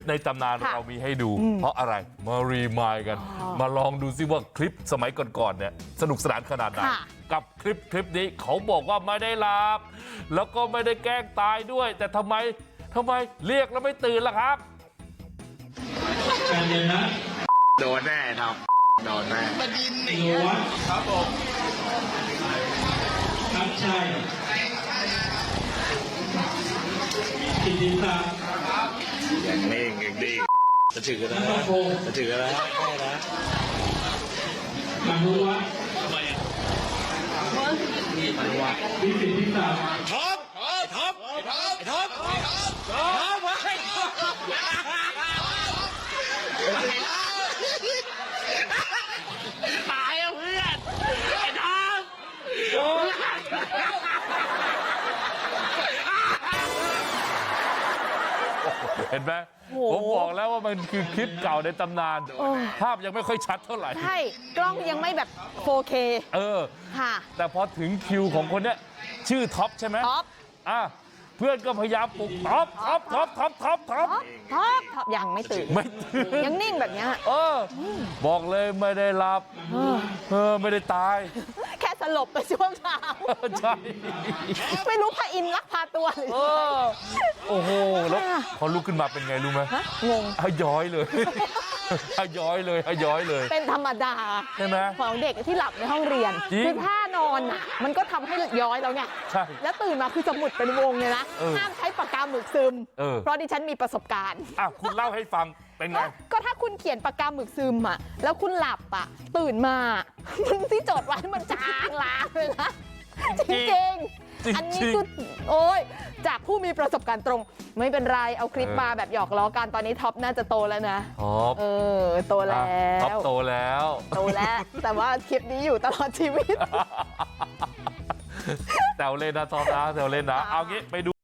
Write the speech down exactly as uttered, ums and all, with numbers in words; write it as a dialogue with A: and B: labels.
A: ในตำนานเรามีให้ดูเพราะอะไรมารีมายกันมาลองดูซิว่าคลิปสมัยก่อนๆเนี่ยสนุกสนานขนาดไหนกับคลิปคลิปนี้เขาบอกว่าไม่ได้หลับแล้วก็ไม่ได้แกล้งตายด้วยแต่ทำไมทำไมเรียกแล้วไม่ตื่นล่ะครับ
B: โดนแน่ครับโดนแน่มาดินนี่ครับผมครับใช่กินดีครับอย่างนิ่งอย่างนิ่งจะถือนะจะถือนะไม่นะมาดูวะทำไมอ่ะนี่มาดูวะนี่สิที่สามท็อปท็อปท็อปท็อปท็อปไว้ตายอ่ะเพื่อนไอ้ท็อป
A: เห็นไหมผมบอกแล้วว่ามันคือคลิปเก่าในตำนานภาพยังไม่ค่อยชัดเท่าไหร่
C: ใช่กล้องยังไม่แบบ โฟร์เค
A: เออ
C: ค่ะ
A: แต่พอถึงคิวของคนเนี้ยชื่อท็อปใช่ไหม
C: ท็อป
A: อ่ะเพื่อนก็พยายามปลุกท็อปท็อปท็อปท็อปท็อปท็อป
C: ท็อปท็อปยังไม่ตื่น
A: ไม่ตื่น
C: ยังนิ่งแบบเนี้ย
A: เออบอกเลยไม่ได้หลับเออไม่ได้ตาย
C: แค่สลบไปช่วงเช้า
A: ใช่
C: ไม่รู้พระอินทร์ลักพาตัวหรือ
A: เออโอ้โหแล้วพอลุกขึ้นมาเป็นไงรู้ไหม
C: ฮะงง
A: ฮะย้อยเลยฮะย้อยเลยฮะย้อยเลย
C: เป็นธรรมดา
A: ใช่ไหม
C: ของเด็กที่หลับในห้องเรียน
A: จริง
C: คือท่านอนอ่ะ มันก็ทำให้ย้อยแล้วไง
A: ใช่
C: แล้วตื่นมาคือจะหมุดเป็นวงเลยนะ
A: เออ
C: ห้ามใช้ปากกาหมึกซึม
A: เออ
C: เพราะดิฉันมีประสบการณ์
A: อ่ะคุณเล่าให้ฟังเป็นไง
C: ก็ถ้าคุณเขียนปากกาหมึกซึมอ่ะ แล้วคุณหลับอ่ะ ตื่นมา มันที่จดไว้มันจางลางเลยนะ จริง
A: จริง
C: ๆ อันนี้คือโอ้ยจากผู้มีประสบการณ์ตรง ไม่เป็นไร เอาคลิปมาแบบหยอกล้อกัน ตอนนี้ท็อปน่าจะโตแล้วนะ
A: ท็อป
C: เออ โตแล้
A: ท็อป
C: ว
A: โตแล้ว
C: โตแล้ว แต่ว่าคลิปนี้อยู่ตลอดชีวิต
A: แซวเล่นนะท็อปนะแซวเล่นนะเอางี้ไปดู